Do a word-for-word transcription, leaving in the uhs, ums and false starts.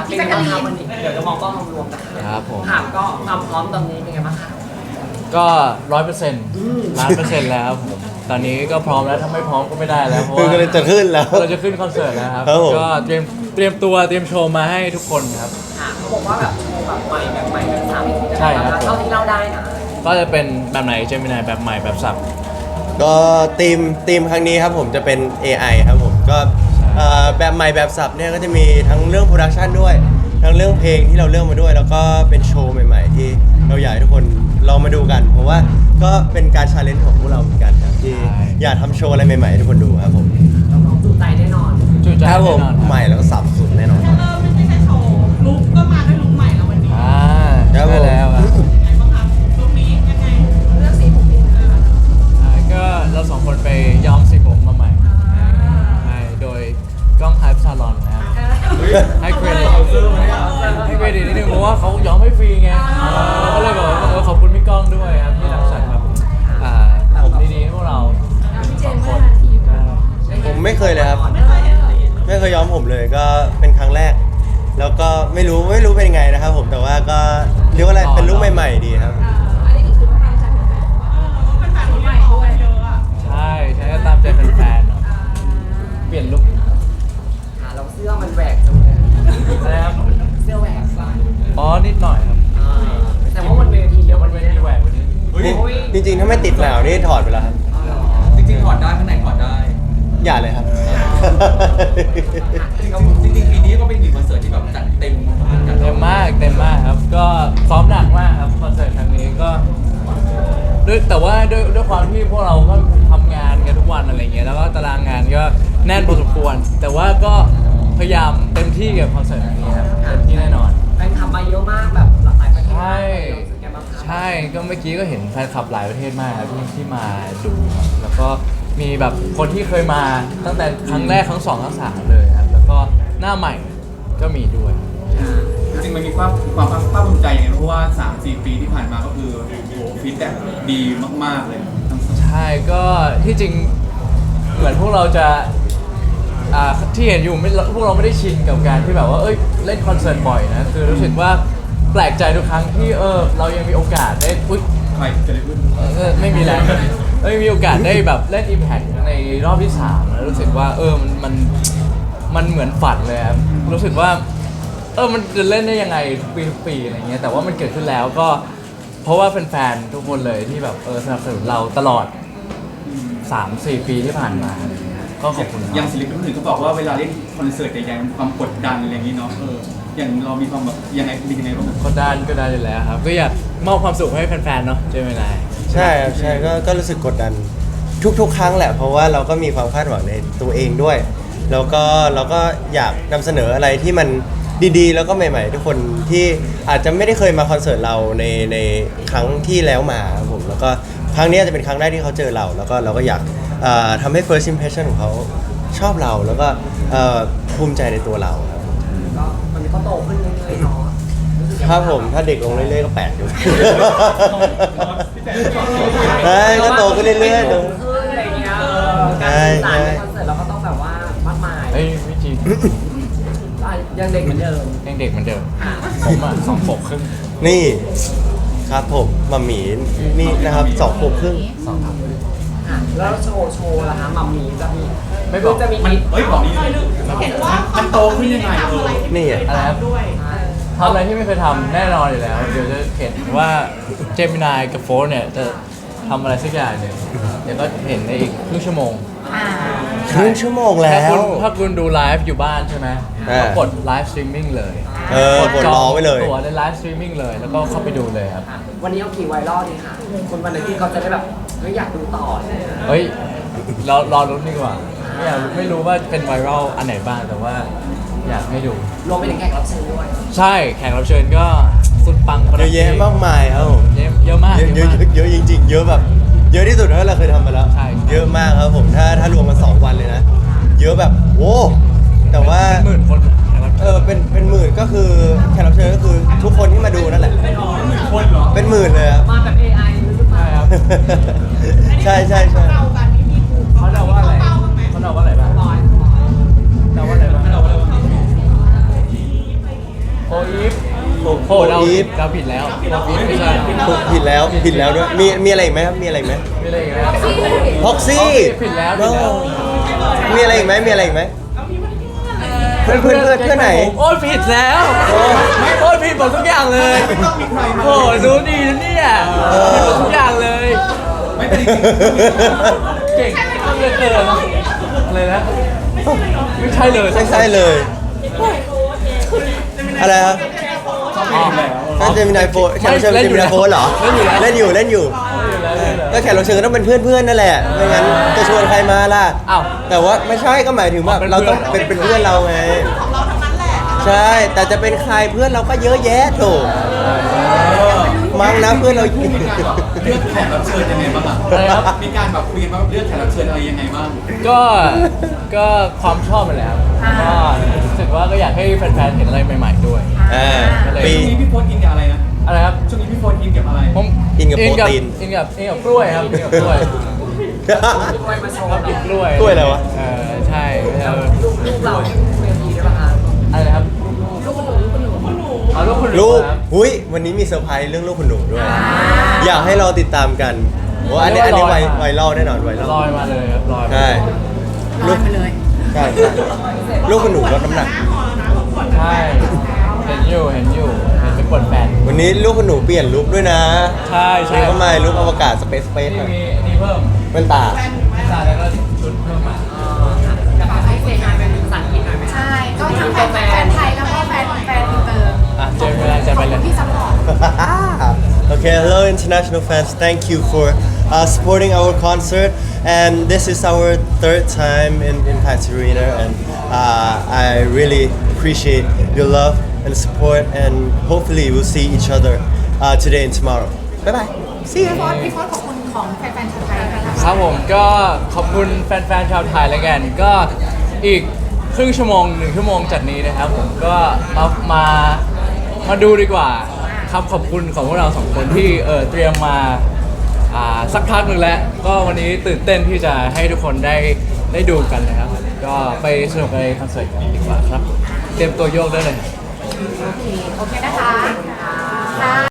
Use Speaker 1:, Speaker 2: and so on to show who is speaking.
Speaker 1: เป็นไงบ้างคะวันนี้เดี๋ยวจะมองกล้องรวมๆนะครับ
Speaker 2: ผม
Speaker 1: ถามก็ความพร้อมตอนนี้เป็นไงบ้างคะ
Speaker 2: ก็ร้อยเปอร์เซ็นต์ล้านเปอร์เซ็นต์แล้วครับผมตอนนี้ก็พร้อมแล้วถ้าไม่พร้อมก็ไม่ได้แล้วเพราะ
Speaker 3: คือ
Speaker 2: ว่า
Speaker 3: ก็เลยจะขึ้นแล้ว
Speaker 2: เราจะขึ้นคอนเสิร์ตแล้วครับ
Speaker 3: ครับผม
Speaker 2: ก็เตรียมเตรียมตัวเตรียมโชว์มาให้ทุกคนครับ
Speaker 1: ค่ะเขาบอกว่าแบบโชว์แบบใหม่แบบใหม่แบบสับ
Speaker 2: ใช่ครับ
Speaker 1: เท่าที่เล่าได้นะ
Speaker 2: ก็จะเป็นแบบไหนเจมินายแบบใหม่แบบสับ
Speaker 3: ก็ทีมทีมครั้งนี้ครับผมจะเป็น เอ ไอ ครับผมก็เอ่อแบบใหม่แบบสับเนี่ยก็จะมีทั้งเรื่องโปรดักชันด้วย ทั้งเรื่องเพลงที่เราเลือกมาด้วย แล้วก็เป็นโชว์ใหม่ๆ ที่เราอยากให้ทุกคนลองมาดูกัน เพราะว่าก็เป็นการชาเลนจ์ของพวกเราเหมือนกันครับที่
Speaker 2: ใช่
Speaker 3: อยากทำโชว์อะไรใหม่ๆให้ทุกคนดูครับผม
Speaker 1: เราลองจูใจแน่นอน
Speaker 2: จุใจ
Speaker 3: ครับ
Speaker 2: แน่
Speaker 3: ผม
Speaker 2: นอนครับ
Speaker 3: ใหม่แล้วก็สับสุดแน่นอน
Speaker 4: เออไม่ใช่แค่โชว์ลุกก็มาด้วยลุกใหม่แล้ววันนี้
Speaker 2: อ่า
Speaker 3: ครับผม
Speaker 2: ใช่แล้วครับ
Speaker 4: ยังไงบ้างคะลุกนี้ยังไงเลือกสีผมเองเออ
Speaker 2: อ่าก็เราสองคนไปย้อมสีผมมาใหม่ใช่โดยกล้องไฮป์ซาลอนนะครับให้เครดิตให้เครดิตนิดนึงเพราะว่าเขาย้อมให้ฟรีไงเราก็เลยบอกว่าเออขอบคุณพี่ก้องด้วยครับที่รังสรรค์แบบอ่าผมดีๆให้พวกเราสองคน
Speaker 3: ผมไม่เคยเลยครับ ไม่เคยย้อมผมเลยก็เป็นครั้งแรก แล้วก็ไม่รู้ไม่รู้เป็นยังไงนะครับผมแต่ว่าก็เรียกว่าอะไรเป็นลุคใหม่ๆดีครับ
Speaker 4: อันนี้ก็คือความจากเป็นแฟนคนใหม่ด้วยเยอะอ่ะ
Speaker 2: ใช่ใช่ก็ตามใจแฟนๆเนอะเปลี่ยนลุค
Speaker 1: ค่ะเราเสื้อมันแหวกจังเลย
Speaker 2: นะครับ
Speaker 1: เสื้อแหวกก่อน
Speaker 2: อ๋อนิดหน่อยครับ
Speaker 1: อ่าแต่ว่ามันเวที
Speaker 2: เดี๋
Speaker 1: เดี๋
Speaker 2: ย
Speaker 1: ยว ว
Speaker 2: มั
Speaker 1: มัน น
Speaker 2: ไม่
Speaker 1: ไม่
Speaker 2: มี
Speaker 1: ได้
Speaker 2: แหวกวันนี้
Speaker 3: จริงๆ ถ้าไม่ติดหนาวนี่ถอดไปแล้วครับ
Speaker 5: จริงๆถอดได้ข้างในถอดได้
Speaker 3: อย่าเลยครับ
Speaker 5: จริงๆจริงๆปีนี้ก็เป็นอีกคอนเสิร์ตที่แบบจัดเต็มเหมือนกัน
Speaker 2: เต็มมากเต็มมากครับ ก็ซ้อมหนักมากครับคอนเสิร์ตครั้งนี้ก็ด้วยแต่ว่าด้วยด้วยความที่พวกเราก็ทำงานกันทุกวันอะไรเงี้ยแล้วก็ตารางงานก็แน่นพอสมควร แต่ว่าก็พยายามเต็มที่กับคอนเสิร์ตครั้งนี้ครับเต็มที่แน่นอน
Speaker 1: แฟนคลับมาเยอะมากแบบหลากหลายประเทศ
Speaker 2: ใช่
Speaker 1: เรารู้สึกไงบ้างคะ
Speaker 2: ใช่ก็เมื่อกี้ก็เห็นแฟนคลับหลายประเทศมากครับที่ที่มาดูครับแล้วก็มีแบบคนที่เคยมาตั้งแต่ครั้งแรกครั้งสองครั้งสามเลยครับแล้วก็หน้าใหม่ก็มีด้วย
Speaker 6: จริงๆมันมีความความภาคภูมิใจยังไงเพราะว่า สามสี่ ปีที่ผ่านมาก็คือโอ้โหฟีดแบ็กดีมากๆเลยทั้งสอง
Speaker 2: ใช่ก็ที่จริงเหมือนพวกเราจะอ่าที่เห็นอยู่ไม่พวกเราไม่ได้ชินกับการที่แบบว่าเอ้ยเล่นคอนเสิร์ตบ่อยนะคือรู้สึกว่าแปลกใจทุกครั้งที่เออเรายังมีโอกาสได้อุ๊ย
Speaker 6: ใครจะได้พูด
Speaker 2: เออไม่มีแล้วไม่มีโอกาสได้แบบเล่น Impact ในรอบที่สามแล้วรู้สึกว่าเออมันมันมันเหมือนฝันเลยครับรู้สึกว่าเออมันจะเล่นได้ยังไงทุกปีทุกปีอะไรเงี้ยแต่ว่ามันเกิดขึ้นแล้วก็เพราะว่าแฟนๆทุกคนเลยที่แบบเออสนับสนุนเราตลอด สามสี่ปีที่ผ่านมาอะไรเงี้ยก็ขอบคุณ
Speaker 6: อย่าง
Speaker 2: มาก
Speaker 6: ศิลปินคนอื่นเขาบอกว่าเวลาเล่นคอนเสิร์ตใหญ่ๆมันความกดดันอะไรอย่างนี้เนาะเอออย่างเรามีความแบบยังไงเป็นยังไงบ้าง
Speaker 2: ก็ได้ก็ได้อยู่แล้วครับก็อยากมอบความสุขให้แฟนๆเนาะใช่ไหมนาย
Speaker 3: ใช่ครับใช่ก็ก็รู้สึกกดดันทุกๆ ครั้งแหละ เพราะว่าเราก็มีความคาดหวังในตัวเองด้วย แล้วก็เราก็อยากนำเสนออะไรที่มันดีๆ แล้วก็ใหม่ๆ ทุกคนที่อาจจะไม่ได้เคยมาคอนเสิร์ตเราในในครั้งที่แล้วมาครับผมแล้วก็ครั้งนี้จะเป็นครั้งแรกที่เขาเจอเรา แล้วก็เราก็อยากเอ่อทำให้ first impression ของเขาชอบเราแล้วก็เอ่อภูมิใจในตัวเราครับ
Speaker 1: ก็มันก็โตขึ้นเรื่อยๆเนาะรู้สึกยังไง
Speaker 3: ครับผมถ้าเด็กลงเรื่อยๆก็แปลกอยู่ ใช่ก็โตขึ้นเรื่อยๆ
Speaker 1: โต
Speaker 3: เนอะ
Speaker 1: ขึ้นอะไรเงี้ยเออการสื่อสารในคอนเสิร์ตเราก็ต้องแบบว่ามากมาย
Speaker 2: เฮ้ยไม่จริง
Speaker 1: อ่ะยังเด็กเหมือนเดิม
Speaker 2: ยังเด็กเหมือนเดิมผมอ่ะสองขวบครึ่ง
Speaker 3: นี่ครับผมมัมหมีนี่นะครับสองขวบครึ่ง
Speaker 2: สองครับ
Speaker 1: อ่ะแล้วโชว์โชว์ล่ะคะมัมมี่จะมี
Speaker 2: ไม่บอก
Speaker 1: คือจะมี
Speaker 6: มัน
Speaker 1: ทิป
Speaker 6: เฮ้ยบอกนี้เลย
Speaker 4: เห็นว่า
Speaker 6: มันโตขึ้นยังไงเออ
Speaker 3: นี่อะ
Speaker 2: อะไรครับ
Speaker 4: ด้วย
Speaker 2: ทำอะไรที่ไม่เคยทำแน่นอนอยู่แล้ว เดี๋ยวจะเห็นว่าเจมินายกับโฟร์เนี่ยจะทำอะไรสักอย่างหนึ่งเดี๋ยวก็เห็นในอีกครึ่งชั่วโมง
Speaker 3: ครึ่งชั่วโมงแล้
Speaker 2: ถ้าคุ
Speaker 3: ว
Speaker 2: ณถ้าคุณดูไลฟ์อยู่บ้านใช่ไหม
Speaker 3: อ่า
Speaker 2: ก็กดไลฟ์สตรีมมิ่งเลย
Speaker 3: เออกดรอไว้เลย
Speaker 2: ตัวในไลฟ์สตรีมมิ่งเลยแล้วก็เข้าไปดูเลยครับ
Speaker 1: อ่ะวันนี้เอากี่ไวรัลดีคะคนวันไหนที่เขาจะได้แบบไม่อยากดูต่อเลย
Speaker 2: เฮ้ยเรารอรุ้นดีกว่าไม่อยากไม่รู้ว่าเป็นไวรัลอันไหนบ้างแต่ว่าอยากให้ดู
Speaker 1: รวมไปถึงแขกรับเชิญด้วย
Speaker 2: ใช่แขกรับเชิญก็สุดปัง
Speaker 3: เยอะแยะมากมายครับผม
Speaker 2: เยอะเยอะมาก
Speaker 3: เยอะเยอะ
Speaker 2: มาก
Speaker 3: เยอะจริงๆ เยอะแบบ เยอะที่สุดเท่าที่เราเคยทำมาแล้ว
Speaker 2: ใช่
Speaker 3: เยอะมากครับผมถ้าถ้ารวมกันสองวันเลยนะ เยอะแบบโอ้แต่ว่า
Speaker 2: เป็นหมื่นคนแขกรับ
Speaker 3: เอ
Speaker 2: เชิญ
Speaker 3: อเป็นเป็นหมื่นก็คือแขกรับเชิญก็คือทุกคนที่มาดูนั่นแหละ
Speaker 6: คนเหรอ
Speaker 3: เป็นหมื่นเลยครับ
Speaker 1: มาแบบ เอ ไอ หรือเปล่า
Speaker 2: ใช่ครับ
Speaker 3: ใช่ใช่ใช่
Speaker 4: เรากันนี่มีภูมิ
Speaker 2: เขาเดาว่าอะไร
Speaker 4: เป้าบ้างไหม
Speaker 2: เขาเดาว่าอะไรบ้าง
Speaker 1: ร้อย
Speaker 2: เดาว่าอะไรบ้าง
Speaker 6: เราเรา
Speaker 2: โอ้เราผิดเราผิดแล้วเราผิดไม่ใช่
Speaker 3: ผิดแล้วผิดแล้วด้วยมีมีอะไรอีกไหมครับมีอะไรอีกไหม
Speaker 2: ไม่เลยครับ
Speaker 3: พ็อกซี่
Speaker 2: ผิดแล้วผิดแล้ว
Speaker 3: มีอะไรอีกไหมมีอะไรอีกไหมเพื่อนเพื่อนเพื่อนเพื่อนไหน
Speaker 2: โอ้ยผิดแล้วโอ้ยผิดหมดทุกอย่างเลยโอ้ยรู้ดีนะเนี่ยผิดหมดทุกอย่างเลย
Speaker 6: ไม่เป็นจริง
Speaker 2: เก่งเหลือเกินอะไรนะไม่ใช่เลย
Speaker 3: ไม่ใช่เลย อะไรครับ
Speaker 2: อ๋อ
Speaker 3: ถ้าเจมินายโฟนแขกรับเชิญ
Speaker 2: เล่น
Speaker 3: เจ
Speaker 2: อยู่
Speaker 3: มินายโฟนเหรอ
Speaker 2: เล่นอยู่แล้ว
Speaker 3: เล่นอยู่เล่นอยู่ก็แขกรับเชิญก็ต้องเป็นเพื่อนเพื่อนๆนั่นแหละไม่งั้นจะชวนใครมาล่ะ
Speaker 2: อ้าว
Speaker 3: แต่ว่าไม่ใช่ก็หมายถึงว่า
Speaker 2: เป็น
Speaker 3: เราต้อง
Speaker 2: เพื่
Speaker 3: เป็
Speaker 2: อน น
Speaker 3: เป็นเพื่อนเราไงใช่ แต่จะเป็นใครเพื่อนเราก็เยอะแยะโถมั้งนะเพื่อนเรา
Speaker 6: มีการแบบเลือกแขกรับเชิญยังไงบ้างอ่ะ
Speaker 2: อะไรครับ
Speaker 6: มีการแบบคุยกันว่าเลือกแขกรับเชิญอะไรยังไงบ้าง
Speaker 2: ก็ก็ความชอบมันแหละครับก็รู้สึกว่าก็อยากให้แฟนๆเห็นอะไรใหม่ๆด้วย
Speaker 3: อ่า
Speaker 2: ก็เลย
Speaker 3: ปี
Speaker 6: ช่วงนี้พี่โพสอินกับอะไรนะ
Speaker 2: อะไรครับ
Speaker 6: ช่วงนี้พี่โพสอินกับอะไร
Speaker 2: ผม
Speaker 3: อินกับโปรตีน
Speaker 2: อินกับอินกับกล้วยครับอินกับกล้วย
Speaker 1: ด้วยมาโชว์
Speaker 2: กินกล้วย
Speaker 3: กล้วยอะไรวะ
Speaker 2: เออใช่เออ
Speaker 1: ลูกเราเวทีได้ปะคะ
Speaker 2: อะไรนะครับลูกคุณหนูอ๋อลูกคุณหนู
Speaker 3: ลูก
Speaker 2: ครับ
Speaker 3: หุยวันนี้มีเซอร์ไพรส์เรื่องลูกคุณหนูด้วย อยากให้เราติดตามกันว่าอันนี้อันนี้ไวไวรัลแน่นอนไวรัล
Speaker 2: ลอยมาเลยครับลอยมา
Speaker 3: ใช่
Speaker 4: ลอยไปเลย
Speaker 3: ใช่ใช่ลูกคุณหนูลดน้ำหนัก
Speaker 2: ใช่เห็นอยู่เห็นอยู่เห็นเป็นกดแฟน
Speaker 3: วันนี้ลูกคุณหนูเปลี่ยนลุคด้วยนะ
Speaker 2: ใช่ใช่
Speaker 3: นี่ก็มาลุคอวกาศสเปซสเปซ
Speaker 2: นี่มีอันนี้เพิ่ม
Speaker 3: เป็นตา
Speaker 2: ตาแล้วก็ชุดเพิ่มมา
Speaker 1: อยากให้เซฮายเป็นภาษาอังกฤษหน่อยไหมคะ
Speaker 4: ใช่ ก็ทั้งแฟนแฟนไทยแล้วก็แฟนแฟนอินเตอร์
Speaker 2: อ่ะเจอเวลาจะไปเลย
Speaker 4: ที่ซัพพอร์ต
Speaker 3: Okay, hello international fans. Thank you for uh, supporting our concert. And this is our third time in Impact Arena, and uh, I really appreciate your love and support. And hopefully, we'll see each other uh, today and tomorrow. Bye bye. See
Speaker 4: พี่
Speaker 3: you.
Speaker 4: โฟสพี่โฟสขอบคุณของแฟนๆชาวไทยนะคะ
Speaker 2: ครับผมก็ขอบคุณแฟนๆชาวไทยแล้วกัน ก็อีกครึ่งชั่วโมงหนึ่งชั่วโมงจากนี้นะครับผมก็มามามาดูดีกว่าครับขอบคุณของพวกเราสองคนที่เออเตรียมมาอ่าสักพักหนึ่งแล้ว ก็วันนี้ตื่นเต้นที่จะให้ทุกคนได้ได้ดูกันนะครับก็ไปสนุกในคอนเสิร์ตกันดีกว่าครับ เตรียมตัวโยกได้เลย
Speaker 4: โอเค โอเคนะคะค่ะ